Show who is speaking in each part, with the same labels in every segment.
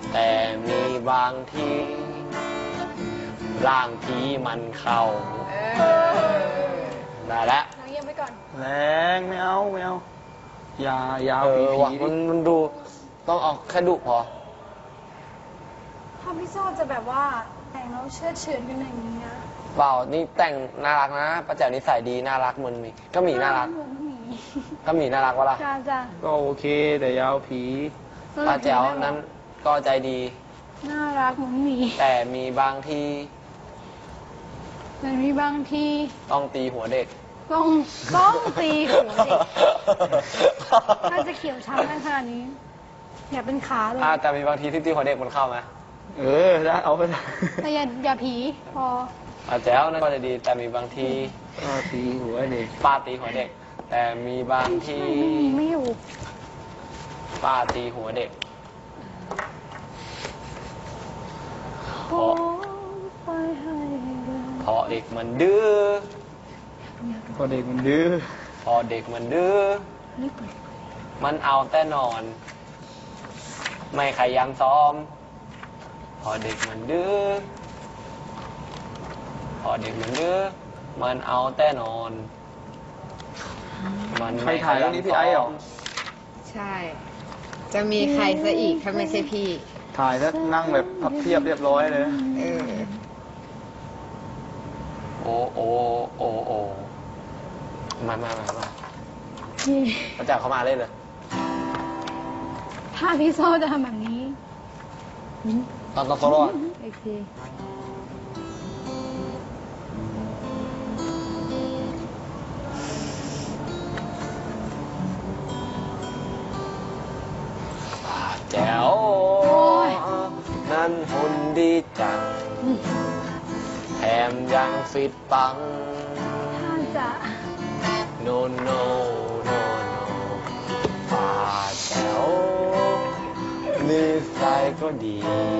Speaker 1: แต่มีบางทีร่างผีมันเข้าได้แล้ว
Speaker 2: น้องเยี่ยมไปก่อน
Speaker 3: แรงไม่เอายาวผี
Speaker 1: ว่ะมันดูต้องเอาแค่ดุพอ
Speaker 2: ถ้าพี่ชอบจะแบบว่าแต่งแล้วเชื่อเฉือนกันอย่างนี้นะ
Speaker 1: เปล่านี่แต่งน่ารักนะป้าแจ๋วนิสัยดีน่ารักเหมือนมีก็หมีน่ารัก
Speaker 2: เหมือนหมี
Speaker 1: ก็หมีน่ารักวะล่ะ
Speaker 2: จ้า
Speaker 3: ก็โอเคแต่ยาวผี
Speaker 1: ป้าแจ๋วนั้นก็ใจดี
Speaker 2: น่ารักเหมือนหมี
Speaker 1: แต่มีบางที
Speaker 2: แต่มีบางที
Speaker 1: ต้องตีหัวเด็ก
Speaker 2: ต้องตีหัวเด็กถ้าจะเขียวช้ำขนาดนี้อย่าเป็นขาเลย
Speaker 1: แต่มีบางทีที่ตีหัวเด็กมันเข้าไหม
Speaker 3: ได้เอาไปได้
Speaker 2: แต่อย่าผีพอ
Speaker 1: ป้าแจ๋วนั่นก็จะดี แต่มีบางที
Speaker 3: ก็ตีหัวเด็ก
Speaker 1: ป้าตีหัวเด็ก แต่มีบางที
Speaker 2: ไม่อยู่
Speaker 1: ป้าตีหัวเด็ก
Speaker 2: ขอไปให้เลย
Speaker 1: พอเด็กมันดื้อ
Speaker 3: พอเด็กมันดื้อ
Speaker 1: พอเด็กมันดื้อ
Speaker 2: รีบเปิด
Speaker 1: มันเอาแต่นอน ไม่ขยันซ้อม พอเด็กมันดื้อ พอเด็กมันดื้อ มันเอาแต่นอน มัน
Speaker 3: ใคร
Speaker 1: ไม่ข
Speaker 3: ถ่าย
Speaker 1: ยั
Speaker 3: เรื่องนี้พี่ไอ้เหรอ
Speaker 4: ใช่ จะมีใครซะอีกถ้าไม่ใช่พี่
Speaker 3: ถ่ายแล้วนั่งแบบพับเพียบเรียบร้อยเลย
Speaker 4: เออ
Speaker 1: โอ้โอ้โอ้โอ้มาพระเจ้าเขามาเล่นเลย
Speaker 2: ถ้าพี่โซ่จะทำแบบนี้
Speaker 1: ตอนโซโล่
Speaker 2: โอเค
Speaker 1: แจ๋วนั่นหุ่นดีจัง แถมยังฟิตปัง
Speaker 2: ถ้าจะ
Speaker 1: โนโนโนโนป่าแจ๋วนิสัยก็ดี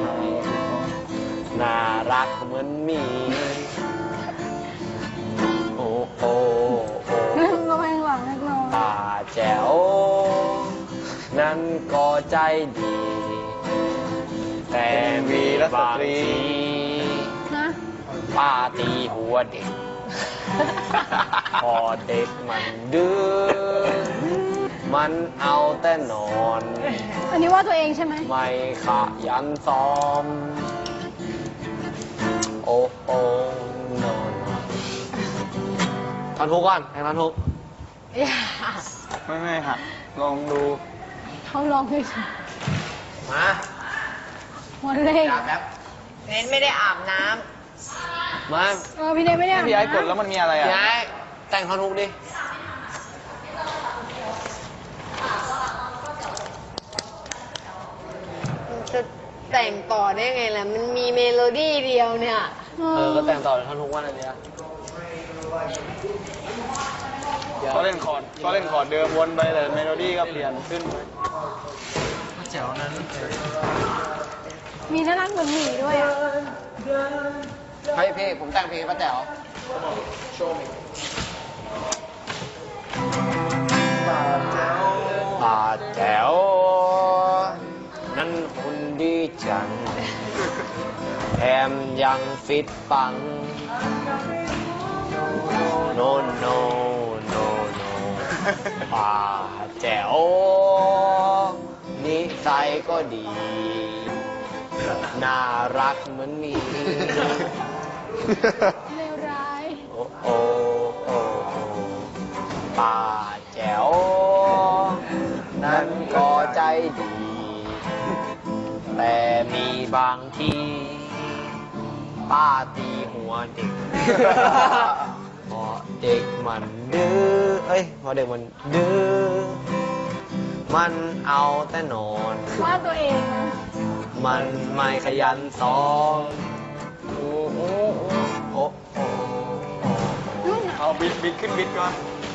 Speaker 1: น่ารักเหมือนหมี โอ้โอ้โอ้
Speaker 2: ระแวงหลังเล็กน้อย
Speaker 1: ป่าแจ๋วนั้นก็ใจดี แต่มีบางที
Speaker 2: นะ
Speaker 1: ป้าตีหัวเด็ก พอเด็กมันดื้อ มันเอาแต่นอน
Speaker 2: อันนี้ว่าตัวเองใช่ไหม
Speaker 1: ไม่ขยันซ้อม โอ้โอ้นอนท่อนทุกก่อนแข่งท่อนทุก
Speaker 3: ไม่หัดลองดู
Speaker 2: เขาลองด้วยสิ
Speaker 1: มา
Speaker 2: วันเล่
Speaker 1: จับแป๊บ
Speaker 4: เน้นไม่ได้อาบน้
Speaker 1: มา
Speaker 2: พี่เนยไม่ได้
Speaker 3: ให้พี่ไอ้กดแล้วมันมีอะไรอ่ะ
Speaker 1: พี่ไอ้แต่งท่อนทุกดิ
Speaker 4: ำจะแต่งต่อได้ไงล่ะ มันมีเมโลดี้เดียวเนี่ย
Speaker 1: ก็แต่งต่อท่อนทุกวันอะไรเนี้ย
Speaker 3: ก็เล่นคอร์ดเดิมวนไปแต่เมโลดี้ก็เปลี่ยนขึ้นไป
Speaker 1: แจ๋วนั้น
Speaker 2: มีน่ารักเหมือนหมีด้วยอะ
Speaker 1: เฮ้ยพี่ผมแต่งเพลงป้าแจ๋วป้าแจ๋วนั้นหุ่นดีจัง แถมยังฟิตปัง โนโนโนโนป้าแจ๋วนิสัยก็ดี น่ารักเหมือนหมี
Speaker 2: เลวร้าย
Speaker 1: โอ้โอ้โอ้โอ้ป้าแจ๋วนั้นก็ใจดี แต่มีบางทีป้าตีหัวเด็ก พอเด็กมันดื้อพอเด็กมันดื้อ มันเอาแต่นอน
Speaker 2: ว่าตัวเองนะ
Speaker 1: มันไม่ขยันซ้อมโอ้โอ้โอ้โอ้โอ้
Speaker 3: เอาบิดขึ้นบิดก่อน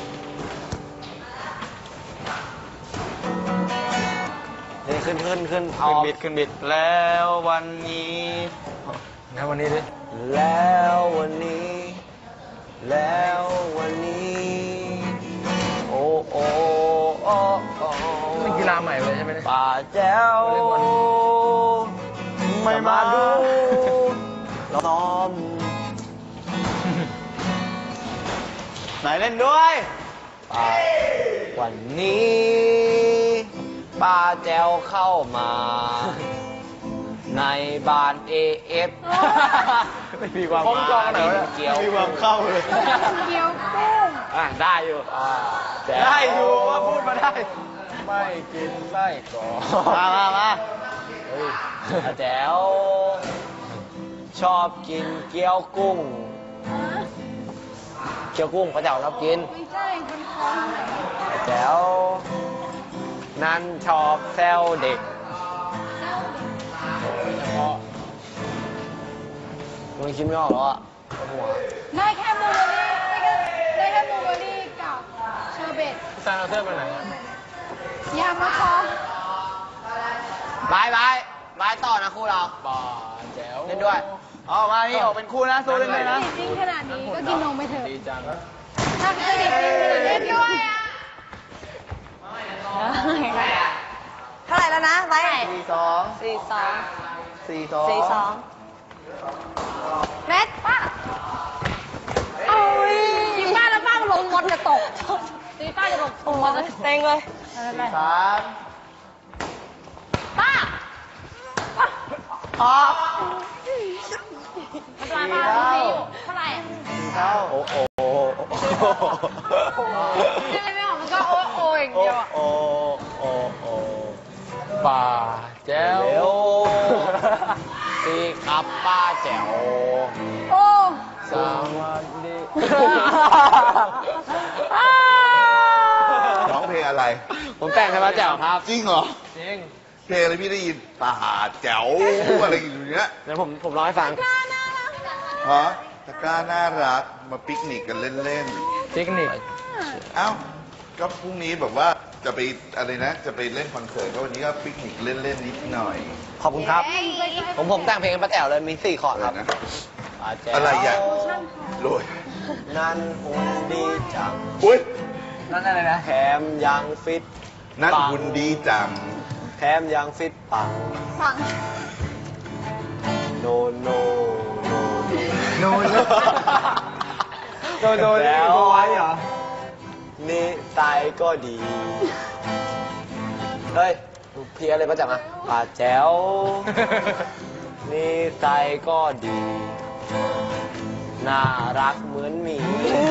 Speaker 1: นี่ขึ้นเอา
Speaker 3: ขึ้นบิดแล้ววันนี้
Speaker 1: แล้ววันนี้ดิแล้ววันนี้ แล้ววันนี้ โอ้โอ้โอ้โอ้
Speaker 3: เป็นกีฬาใหม่เลยใช่ไหมเนี่ย
Speaker 1: ป่าแจ๋วมาดูล้อม
Speaker 3: ไหนเล่นด้วย
Speaker 1: วันนี้ป้าแจวเข้ามา ในบ้าน AF
Speaker 3: ไม่มีความ
Speaker 1: ผมจองไหนวะ
Speaker 3: เกี่ยวมีความเข้าเลย
Speaker 2: เกี๊ยวกุ้ง
Speaker 1: ได้อยู่แจ๋ว
Speaker 3: ได้อยู่ว่าพูดมาได้
Speaker 1: ไม่กินไส้กรอก
Speaker 3: มา
Speaker 1: เฮ้ยแจ๋วชอบกินเกี๊ยวกุ้ง เกี๊ยวกุ้งพระเจ้าชอบกิน
Speaker 2: ไม่ใช่คนท้องไหน
Speaker 1: แจ๋วนั้นชอบแซวเด็กเฉพาะมึงคิดไม่ออกแล้วอ่ะปวดหัว
Speaker 2: ได้แค่บลูเบอร์รี่ได้แค่บลูเบอร์รี่กับเชอร์เบต
Speaker 1: แซงเอาเสื้อไปไหน
Speaker 2: ยามาคอบ
Speaker 1: ายต่อนะคู่เราบ่าแจ๋วเล่นด้วย
Speaker 3: เอามานี่ออกเป็นคู่นะโซเล่นด้วยนะ
Speaker 2: จริงขนาดนี้ก็กินนมไปเถอะ
Speaker 1: ดีจัง
Speaker 2: ถ้าเคยดิบจริงขนาดนี้ด้วยอ่ะ
Speaker 4: เท่าไหร่แล้วนะไว้
Speaker 3: 42
Speaker 4: 42
Speaker 3: 42
Speaker 4: เม็ดป้า
Speaker 2: โอ้ยยิงป้าแล้วป้าก็ลงมดจะตกตีป้าจะตกลงมดจะ
Speaker 4: เต็งเลย
Speaker 3: 3
Speaker 2: ป้า
Speaker 3: ออก
Speaker 2: ทำลายป้าดูสิอยู่เท่าไหร่
Speaker 3: เท่า
Speaker 1: โอ้โห
Speaker 2: ยังไงไม่ออกมันก็โอ้โอ้อย่างเดียวอ่ะ
Speaker 1: โอ้ป่าแจ๋ว
Speaker 3: เร็ว
Speaker 1: ตีครับป้าแจ๋ว
Speaker 2: โอ้
Speaker 1: สวัสดี
Speaker 5: ร้องเพลงอะไร
Speaker 1: ผมแต่งให้ป้าแจ๋วครับ
Speaker 5: จริงเหรอ
Speaker 1: จริง
Speaker 5: เพลงอะไรพี่ได้ยินป่าแจ๋วอะไรอย่างเงี้ย
Speaker 1: เดี๋ยวผมร้องให้ฟัง
Speaker 5: ฮะตะกร้าน่ารักมาปิกนิกกันเล่น
Speaker 1: เทคนิค
Speaker 5: ๆ เอ้าก็พรุ่งนี้แบบว่าจะไปอะไรนะ จะไปเล่นคอนเสิร์ตก็วันนี้ก็ปิกนิกเล่นๆนิดหน่อย
Speaker 1: ขอบคุณครับ ผมแต่งเพลงให้ป้าแจ๋วเลยมี4คอร์ดครับ
Speaker 5: นะ
Speaker 1: ป้าแจ๋ว
Speaker 5: อะไรอย่างโรย
Speaker 1: นั่นหุ่นดีจัง
Speaker 5: อุ้ย
Speaker 1: นั่นอะไรนะแถมยังฟิต
Speaker 5: นั่น
Speaker 1: ปัง
Speaker 5: หุ่นดีจัง
Speaker 1: แถมยังฟิตปัง
Speaker 2: ฟัง
Speaker 1: โนโนโน
Speaker 3: โนโน
Speaker 1: แล้ว
Speaker 3: ไว้เหรอ
Speaker 1: นิสัยก็ดี เฮ้ยเพียอะไรป้าแจ๋วมาป้าแจ๋วนิสัยก็ดี น่ารักเหมือนหมี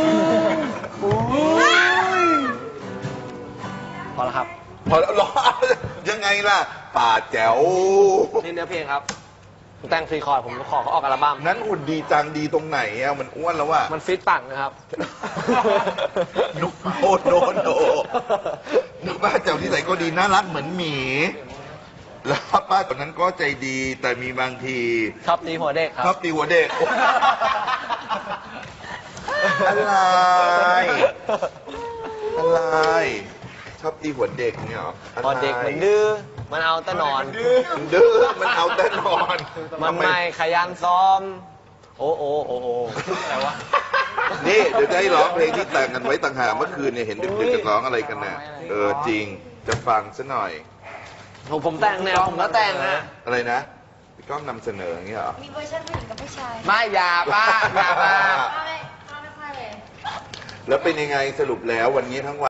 Speaker 1: พอแล้วครับ
Speaker 5: พอแล้วร้องยังไงล่ะ ป่าแจ๋ว
Speaker 1: นี่เนื้อเพลงครับผมแต่ง4คอร์ดผมขอเขาออกอัลบั้ม
Speaker 5: นั้นหุ่นดีจังดีตรงไหนอ่ะมันอ้วนแล้วว่ะ
Speaker 1: มันฟิตปังนะครับ
Speaker 5: นุกโนโนโนนุกป้าแจ๋วที่ไหนก็ดีน่ารักเหมือนหมี แล้วป้าตอนนั้นก็ใจดีแต่มีบางที
Speaker 1: ชอบตีหัวเด็กครั
Speaker 5: ชอบตีหัวเด็ก อะไร อะไร ชอบตีหัวเด็กเนี่ยเหรออะไร
Speaker 1: พอเด็กมันดื้อ มันเอาแต่นอน
Speaker 5: มันดื้อมันเอาแต่นอน
Speaker 1: มันไม่ขยันซ้อม โอ้อะไรวะ
Speaker 5: นี่เดี๋ยวจะให้ร้องเพลงที่แต่งกันไว้ต่างหากเมื่อคืนเนี่ยเห็นดึกๆกันร้องอะไรกันน่ะจริงจะฟังซะหน่อย
Speaker 1: ผมแต่งแนวผมก็แต่งนะ
Speaker 5: อะไรนะพี่ก้องนำเสนออย่างเงี้ยเหรอ
Speaker 4: มีเวอร์ชันผู้หญิงกับผู้ชาย
Speaker 1: ไม่อย่าป้าอย่ามา
Speaker 4: ไม่ค่อยเลย
Speaker 5: แล้วเป็นยังไงสรุปแล้ววันนี้ทั้งวัน